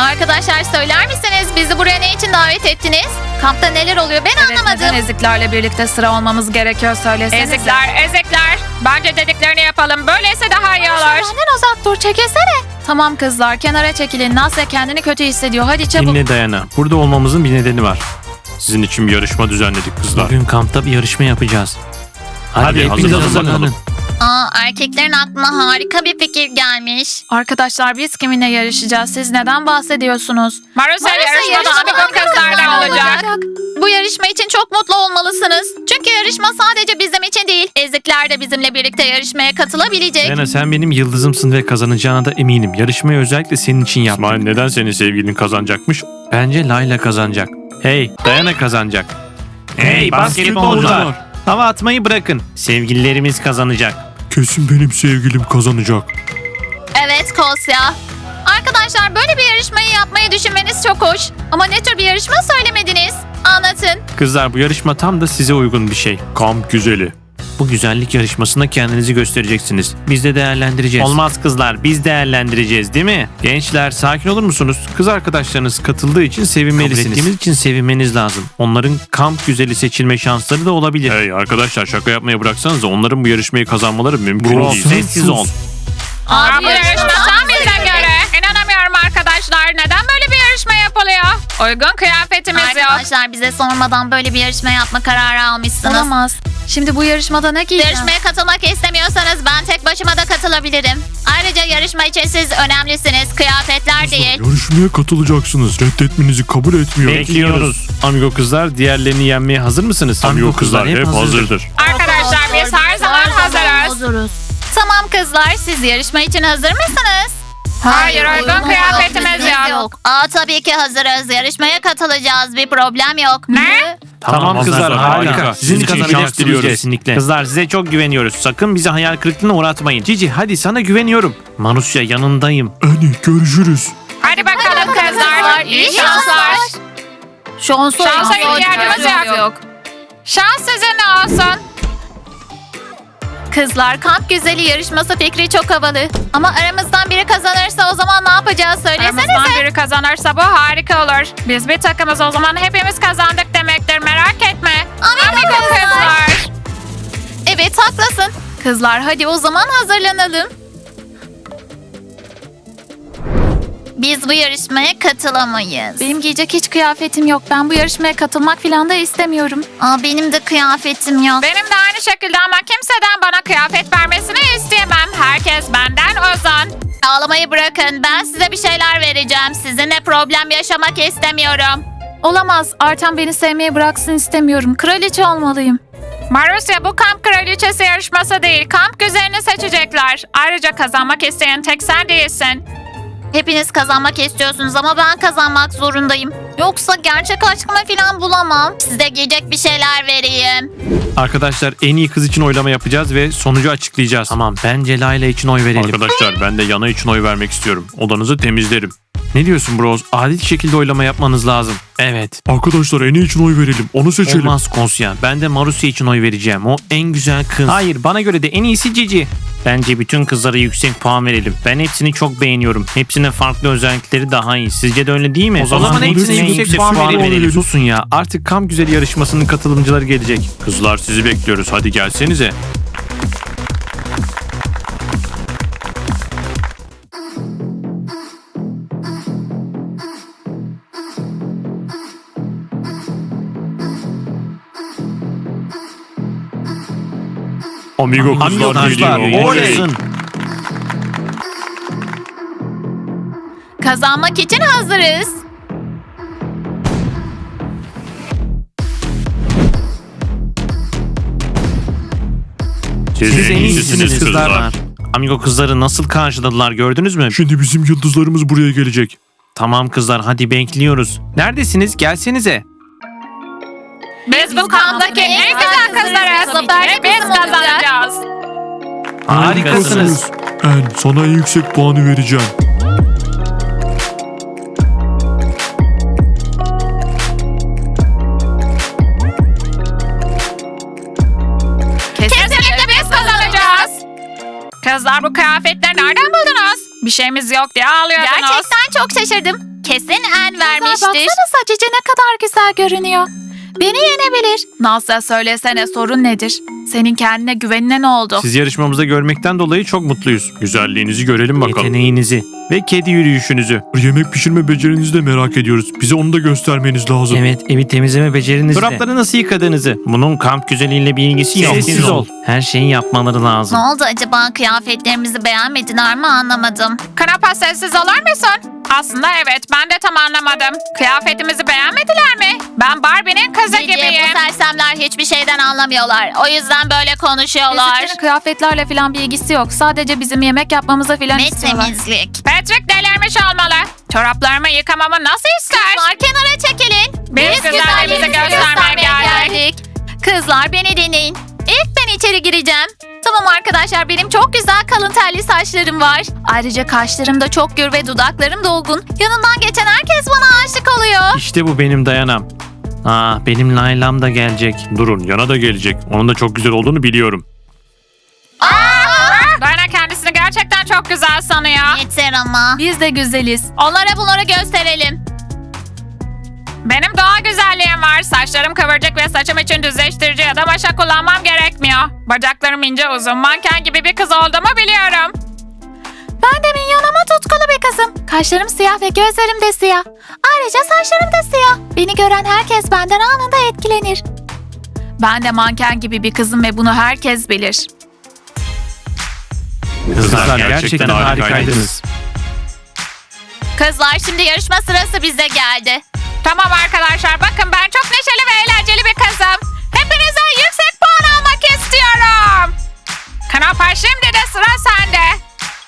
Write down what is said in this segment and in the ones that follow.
Arkadaşlar söyler misiniz? Bizi buraya ne için davet ettiniz? Kampta neler oluyor ben anlamadım. Neden eziklerle birlikte sıra olmamız gerekiyor söylesenize. Ezikler. Bence dediklerini yapalım. Böylese daha iyi olur. Benden uzak dur çekilsene. Tamam kızlar kenara çekilin. Nasya kendini kötü hissediyor. Hadi çabuk. Dinle Dayana. Burada olmamızın bir nedeni var. Sizin için bir yarışma düzenledik kızlar. Bugün kampta bir yarışma yapacağız. Hadi hepiniz hazırlanın. Erkeklerin aklına harika bir fikir gelmiş. Arkadaşlar biz kiminle yarışacağız? Siz neden bahsediyorsunuz? Marusya yarışmada Amigo kızlardan olacak. Bu yarışma için çok mutlu olmalısınız. Çünkü yarışma sadece bizim için değil. Ezikler de bizimle birlikte yarışmaya katılabilecek. Dayana sen benim yıldızımsın ve kazanacağına da eminim. Yarışmayı özellikle senin için yaptım. İsmail neden senin sevgilin kazanacakmış? Bence Layla kazanacak. Hey Dayana kazanacak. Hey basketbolcular. Hava atmayı bırakın. Sevgililerimiz kazanacak. Kesin benim sevgilim kazanacak. Evet Kosya. Arkadaşlar böyle bir yarışmayı yapmayı düşünmeniz çok hoş. Ama ne tür bir yarışma söylemediniz? Anlatın. Kızlar bu yarışma tam da size uygun bir şey. Kamp güzeli. Bu güzellik yarışmasında kendinizi göstereceksiniz. Biz de değerlendireceğiz. Olmaz kızlar, biz değerlendireceğiz değil mi? Gençler sakin olur musunuz? Kız arkadaşlarınız katıldığı için sevinmelisiniz. Kabul ettiğimiz için sevinmeniz lazım. Onların kamp güzeli seçilme şansları da olabilir. Hey arkadaşlar şaka yapmaya bıraksanız da onların bu yarışmayı kazanmaları mümkün Bro, değil. sessiz ol. Bu yarışma tam bize göre. İnanamıyorum arkadaşlar. Neden böyle bir yarışma yapılıyor? Uygun kıyafetimiz yok. Arkadaşlar bize sormadan böyle bir yarışma yapma kararı almışsınız. Olamaz. Şimdi bu yarışmada ne giyeceğim? Yarışmaya katılmak istemiyorsanız ben tek başıma da katılabilirim. Ayrıca yarışma için siz önemlisiniz. Kıyafetler değil. Yarışmaya katılacaksınız. Reddetmenizi kabul etmiyorum. Bekliyoruz. Amigo kızlar diğerlerini yenmeye hazır mısınız? Amigo kızlar hep hazırdır. Arkadaşlar biz her zaman hazırız. Tamam kızlar siz yarışma için hazır mısınız? Hayır, uygun kıyafetimiz yok. Tabii ki hazırız. Yarışmaya katılacağız. Bir problem yok. Ne? Tamam kızlar harika. Sizin için şans diliyoruz. Kesinlikle. Kızlar size çok güveniyoruz. Sakın bizi hayal kırıklığına uğratmayın. Cici hadi sana güveniyorum. Marusya yanındayım. Eni görüşürüz. Hadi bakalım kızlar. İyi şanslar. Şansa ihtiyacımız yok. Şans sizinle olsun. Kızlar kamp güzeli yarışması fikri çok havalı. Ama aramızdan biri kazanırsa o zaman ne yapacağız söylesenize. Aramızdan biri kazanırsa bu harika olur. Biz bir takımız o zaman hepimiz kazandık demektir. Merak etme. Amigo kızlar. Evet haklısın. Kızlar hadi o zaman hazırlanalım. Biz bu yarışmaya katılamayız. Benim giyecek hiç kıyafetim yok. Ben bu yarışmaya katılmak falan da istemiyorum. Benim de kıyafetim yok. Benim de aynı şekilde ama kimseden bana kıyafet vermesini isteyemem. Herkes benden uzan. Ağlamayı bırakın. Ben size bir şeyler vereceğim. Sizinle problem yaşamak istemiyorum. Olamaz. Artem beni sevmeyi bıraksın istemiyorum. Kraliçe olmalıyım. Marusya bu kamp kraliçesi yarışması değil. Kamp güzelini seçecekler. Ayrıca kazanmak isteyen tek sen değilsin. Hepiniz kazanmak istiyorsunuz ama ben kazanmak zorundayım. Yoksa gerçek aşkımı falan bulamam. Size giyecek bir şeyler vereyim. Arkadaşlar en iyi kız için oylama yapacağız ve sonucu açıklayacağız. Tamam bence Layla için oy verelim. Arkadaşlar ben de Yana için oy vermek istiyorum. Odanızı temizlerim. Ne diyorsun bros? Adil şekilde oylama yapmanız lazım. Evet. Arkadaşlar Eni için oy verelim. Onu seçelim. Olmaz Konsya. Ben de Marusya için oy vereceğim. O en güzel kız. Hayır bana göre de en iyisi Cici. Bence bütün kızlara yüksek puan verelim. Ben hepsini çok beğeniyorum. Hepsinin farklı özellikleri daha iyi. Sizce de öyle değil mi? O zaman hepsine yüksek puan verelim. Susun ya. Artık kamp güzeli yarışmasının katılımcıları gelecek. Kızlar sizi bekliyoruz. Hadi gelsenize. Amigo kızlar geliyor. Oley. Oynasın. Kazanmak için hazırız. Siz en iyisiniz kızlar. Amigo kızları nasıl karşıladılar gördünüz mü? Şimdi bizim yıldızlarımız buraya gelecek. Tamam kızlar hadi bekliyoruz. Neredesiniz? Gelsenize. Biz bu kamptaki en güzel kızlarız. Ve biz kazanacağız. Harikasınız. En sana en yüksek puanı vereceğim. Kesinlikle biz kazanacağız. Kızlar bu kıyafetleri nereden buldunuz? Bir şeyimiz yok diye ağlıyordunuz. Gerçekten çok şaşırdım. Kesin en Kızlar vermiştir. baksanıza Cici ne kadar güzel görünüyor. Beni yenebilir. Nasıl söylesene sorun nedir? Senin kendine güvenine ne oldu? Sizi yarışmamızda görmekten dolayı çok mutluyuz. Güzelliğinizi görelim bakalım. Yeteneğinizi ve kedi yürüyüşünüzü. Yemek pişirme becerinizi de merak ediyoruz. Bize onu da göstermeniz lazım. Evet, evi temizleme becerinizi de. Çorapları nasıl yıkadığınızı. Bunun kamp güzelliğiyle bir ilgisi yok. Sessiz ol. Her şeyi yapmaları Ne lazım. oldu acaba, kıyafetlerimizi beğenmediler mi anlamadım. Knapa sessiz olur musun? Aslında evet ben de tam anlamadım. Kıyafetimizi beğenmediler mi? Ben Barbie'nin kızı Cici, gibiyim. bu sersemler hiçbir şeyden anlamıyorlar. O yüzden böyle konuşuyorlar. Esitlerin kıyafetlerle falan bir ilgisi yok. Sadece bizim yemek yapmamıza falan Ve istiyorlar. temizlik. Patrick delirmiş olmalı. Çoraplarımı yıkamamı nasıl ister? Kızlar kenara çekilin. Biz güzelliğimizi göstermeye geldik. Kızlar beni dinleyin. İlk ben içeri gireceğim. Tamam arkadaşlar, benim çok güzel kalın telli saçlarım var. Ayrıca kaşlarım da çok gür ve dudaklarım dolgun. Yanından geçen herkes bana aşık oluyor. İşte bu benim dayanam. Benim Laylam da gelecek. Durun, yana da gelecek. Onun da çok güzel olduğunu biliyorum. Dayana kendisini gerçekten çok güzel sanıyor. Yeter ama. Biz de güzeliz. Onlara bunları gösterelim. Benim doğal güzelliğim var. Saçlarım kıvırcık ve saçım için düzleştirici ya da maşa kullanmam gerekmiyor. Bacaklarım ince uzun, manken gibi bir kız olduğumu biliyorum. Ben de minyon ama tutkulu bir kızım. Kaşlarım siyah ve gözlerim de siyah. Ayrıca saçlarım da siyah. Beni gören herkes benden anında etkilenir. Ben de manken gibi bir kızım ve bunu herkes bilir. Kızlar gerçekten gerçekten harikaydınız. harikaydınız. Kızlar, şimdi yarışma sırası bize geldi. Tamam arkadaşlar bakın ben çok neşeli ve eğlenceli bir kızım. Hepinizden yüksek puan almak istiyorum. Knapa şimdi de sıra sende.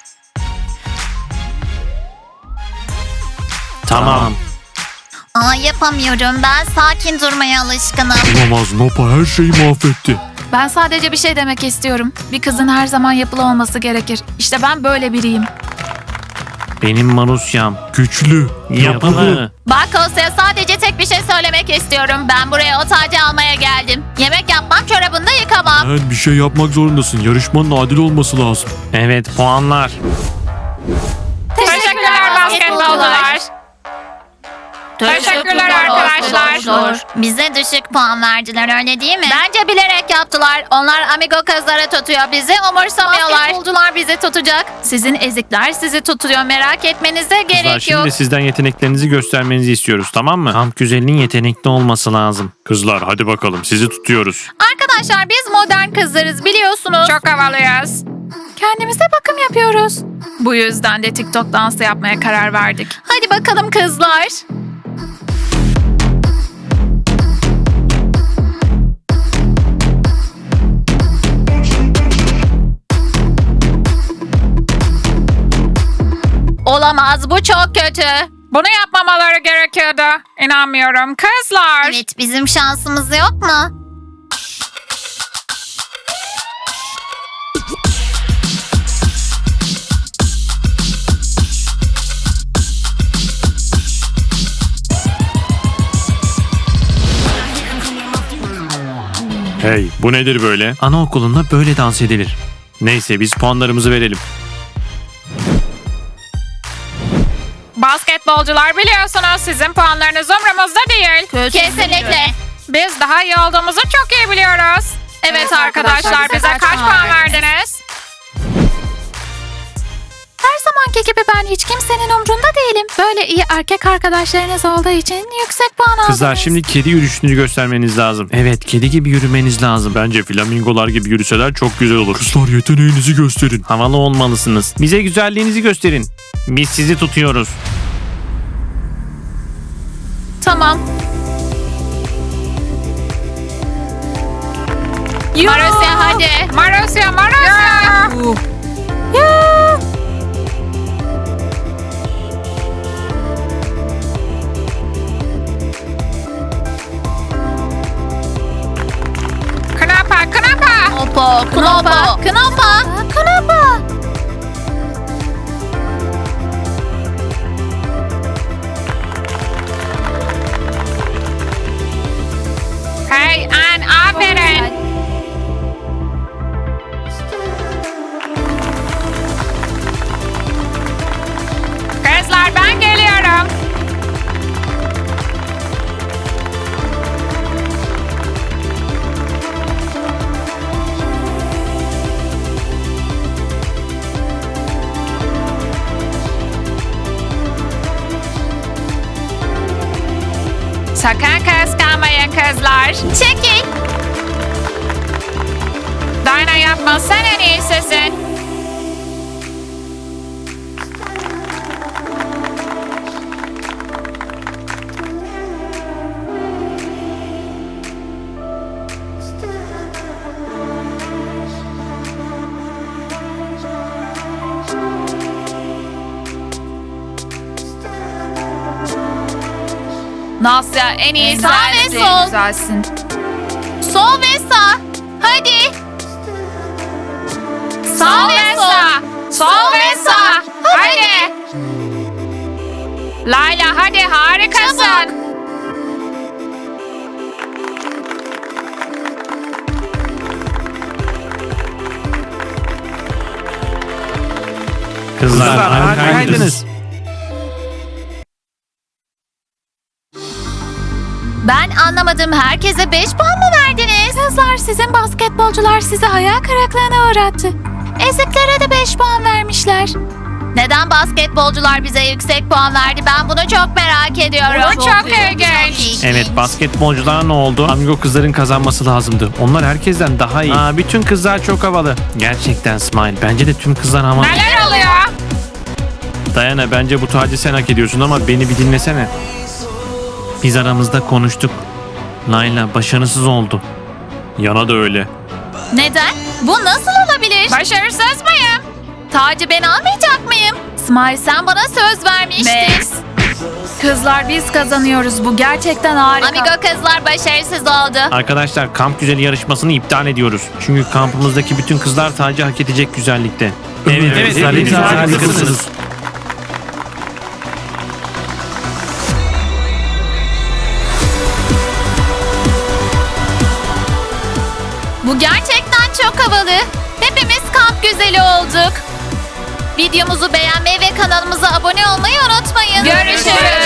Tamam. Yapamıyorum. Ben sakin durmaya alışkınım. Olamaz, Nopa her şeyi mahvetti. Ben sadece bir şey demek istiyorum. Bir kızın her zaman yapılı olması gerekir. İşte ben böyle biriyim. Benim Marusyam. Güçlü, Yapılı. Bak Osya, sadece tek bir şey söylemek istiyorum. Ben buraya o tacı almaya geldim. Yemek yapmam, çorabını da yıkamam. Sen bir şey yapmak zorundasın. Yarışmanın adil olması lazım. Evet, puanlar. Teşekkürler basketbolcular. Teşekkürler arkadaşlar. Bize düşük puan verdiler, öyle değil mi? Bence bilerek yaptılar. Onlar amigo kızları tutuyor. Bizi umursamıyorlar. Basketbolcular bizi tutacak. Sizin ezikler sizi tutuyor. Merak etmenize Kızlar, gerek yok. şimdi sizden yeteneklerinizi göstermenizi istiyoruz, tamam mı? Kamp güzelinin yetenekli olması lazım. Kızlar hadi bakalım sizi tutuyoruz. Arkadaşlar, biz modern kızlarız, biliyorsunuz. Çok havalıyız. Kendimize bakım yapıyoruz. Bu yüzden de TikTok dansı yapmaya karar verdik. Hadi bakalım kızlar. Olamaz, bu çok kötü. Bunu yapmamaları gerekiyordu. İnanmıyorum. Kızlar. Evet, bizim şansımız yok mu? Hey, bu nedir böyle? Anaokulunda böyle dans edilir. Neyse biz puanlarımızı verelim. Basketbolcular biliyorsunuz sizin puanlarınız umurumuzda değil. Kesinlikle. Biz daha iyi olduğumuzu çok iyi biliyoruz. Evet arkadaşlar bize kaç puan verdiniz? Her zamanki gibi ben hiç kimsenin umrunda değilim. Böyle iyi erkek arkadaşlarınız olduğu için yüksek puan aldınız. Kızlar, şimdi kedi yürüyüşünü göstermeniz lazım. Evet, kedi gibi yürümeniz lazım. Bence flamingolar gibi yürüseler çok güzel olur. Kızlar yeteneğinizi gösterin. Havalı olmalısınız. Bize güzelliğinizi gösterin. Biz sizi tutuyoruz. Tamam. Marusya, hadi. Marusya. Knapa. Knopa, knopa, knopa. Knapa. Hey Ann, aferin. Kızlar ben geliyorum. Sakın kıskanmayın kızlar. Çekil. Dayana yapma, sen en iyisisin. Nasya en iyi Sağ ve sensin. sol. Güzelsin. Sol ve sağ. Hadi. Sağ ve sol. Sol ve sağ. Hadi. Layla hadi, harikasın. Kızlar harikaydınız. Ben anlamadım. Herkese 5 puan mı verdiniz? Kızlar, sizin basketbolcular sizi hayal kırıklığına uğrattı. Eziklere de 5 puan vermişler. Neden basketbolcular bize yüksek puan verdi? Ben bunu çok merak ediyorum. Bu çok ilginç. Evet, basketbolcular ne oldu? Amigo kızların kazanması lazımdı. Onlar herkesten daha iyi. Bütün kızlar çok havalı. Gerçekten Smile. Bence de tüm kızlar havalı. Neler oluyor? Dayana, bence bu tacı sen hak ediyorsun ama beni bir dinlesene. Biz aramızda konuştuk. Layla başarısız oldu. Yana da öyle. Neden? Bu nasıl olabilir? Başarısız mıyım? Tacı ben almayacak mıyım? Smile, sen bana söz vermiştin. Max. Kızlar, biz kazanıyoruz. Bu gerçekten harika. Amigo kızlar başarısız oldu. Arkadaşlar, kamp güzeli yarışmasını iptal ediyoruz. Çünkü kampımızdaki bütün kızlar tacı hak edecek güzellikte. Evet, hepiniz harikasınız. Bu gerçekten çok havalı. Hepimiz kamp güzeli olduk. Videomuzu beğenmeyi ve kanalımıza abone olmayı unutmayın. Görüşürüz.